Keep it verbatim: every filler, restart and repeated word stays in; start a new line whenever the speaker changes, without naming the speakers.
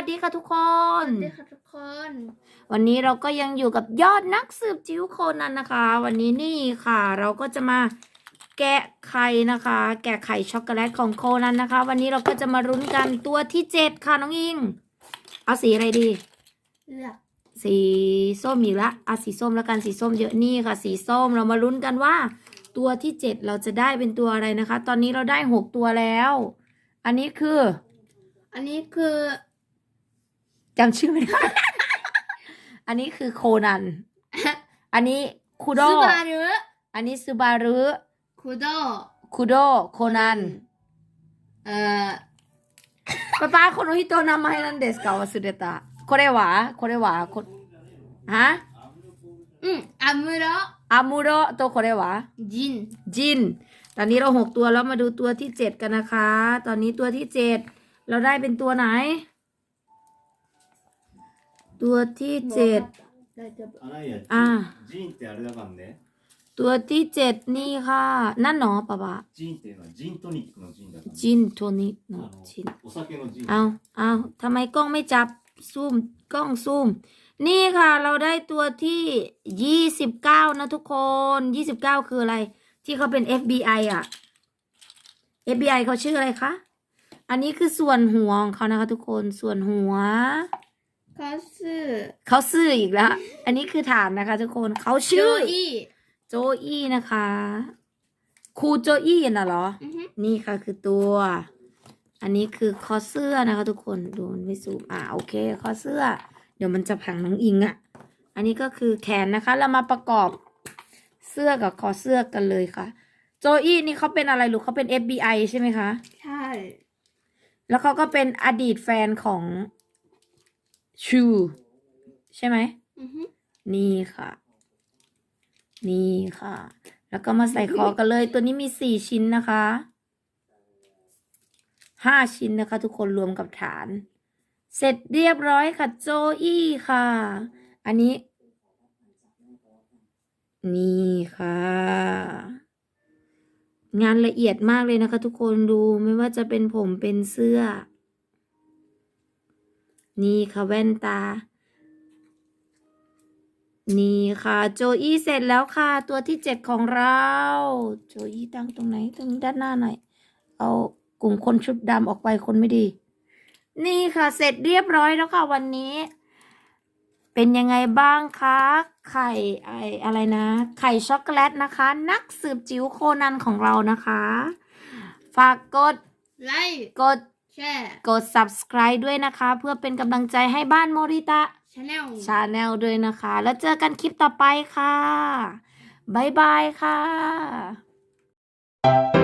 วัสดีค่ะทุกค
ส
น
วัสดีค่ะทุกคน
วันนี้เราก็ยังอยู่กับยอดนักสืบจิ๋วโคนันนะคะ วันนี้นี่ค่ะ เราก็จะมาแกะไข่นะคะ แกะไข่ช็อกโกแลตของโคนันนะคะ วันนี้เราก็จะมารุ้นกันตัวที่เจ็ดค่ะน้องอิง เอาสีอะไรดี
เลือก
สีส้มอีกละเอาสีส้มแล้วกันสีส้มเยอะนี่ค่ะ สีส้มเรามาลุ้นกันว่า ตัวที่เจ็ดเราจะได้เป็นตัวอะไรนะคะ ตอนนี้เราได้หกตัวแล้ว อันนี้คือ
อันนี้คือ
จำชื่อไม่ได้ อันนี้คือโคนัน อันนี้คูโด
ซูบารุ
อันนี้ซูบารุ
คุโด
คูโดโคนัน
เอ่อ
ป้าป้าこの人名前なんですか忘れたこれはこれはこฮะ
อืมอามุโร
อามูโรตัวこれは
จิน
จิน ตอนนี้เราหกตัวแล้วมาดูตัวที่เจ็ดกันนะคะ ตอนนี้ตัวที่เจ็ดเราได้เป็นตัวไหน ตัวที่เจ็ด อ่า
ジンってあれだからね。
ตัวที่เจ็ดนี่ค่ะนั่นเนาะป้าป้า
ジンっていうのはジントニックのジンだから、ね。
จินตัวนี้เนาะจิน
お酒のジン。
เอาเอาทำไมกล้องไม่จับซูมกล้องซูม นี่ค่ะเราได้ตัวที่ยี่สิบเก้านะทุกคนยี่สิบเก้าคืออะไร ที่เขาเป็น เอฟ บี ไอ อ่ะ เอฟ บี ไอ เขาชื่ออะไรคะ อันนี้คือส่วนหัวของเขานะคะทุกคนส่วนหัว
คาสึ
เขาซื่ออีกแล้ว อันนี้คือฐานนะคะทุกคนเขา
โจ
ชื่อ
อี้
โจอี้นะคะครูโจอี้น่ะเหรอ
อือฮึ
นี่ค่ะคือตัว อันนี้คือคอเสื้อนะคะทุกคนดูมันไม่ซูมอ่าโอเคคอเสื้อ เดี๋ยวมันจะพังน้องอิงอะ่ะ อันนี้ก็คือแขนนะคะ เรามาประกอบเสื้อกับคอเสื้อกันเลยค่ะ โจอี้นี่เขาเป็นอะไรลูกเขาเป็น เอฟ บี ไอ ใช่ไหมคะ
ใช่
แล้วเขาก็เป็นอดีตแฟนของชูใช่ไหม
อือฮึ
นี่ค่ะ นี่ค่ะ แล้วก็มาใส่คอกันเลย ตัวนี้มีสี่ชิ้นนะคะห้าชิ้นนะคะ ทุกคนรวมกับฐาน เสร็จเรียบร้อยค่ะโจอี้ค่ะ อันนี้ นี่ค่ะ งานละเอียดมากเลยนะคะ ทุกคนดูไม่ว่าจะเป็นผมเป็นเสื้อ นี่ค่ะแว่นตา นี่ค่ะโจอี้เสร็จแล้วค่ะ ตัวที่เจ็ดของเราโจอี้ตั้งตรงไหนตรงนี้ด้านหน้าหน่อย เอากลุ่มคนชุดดำออกไปคนไม่ดี นี่ค่ะเสร็จเรียบร้อยแล้วค่ะวันนี้ เป็นยังไงบ้างคะไข่ไออะไรนะ ไข่ช็อกโกแลตนะคะ นักสืบจิ๋วโคนันของเรานะคะ ฝากกด
ไลค์
กด
แชร์
กด subscribe ด้วยนะคะ เพื่อเป็นกำลังใจให้บ้านโมริตะ
ชาแนล
ชาแนลด้วยนะคะ แล้วเจอกันคลิปต่อไปค่ะ บ๊ายบายค่ะ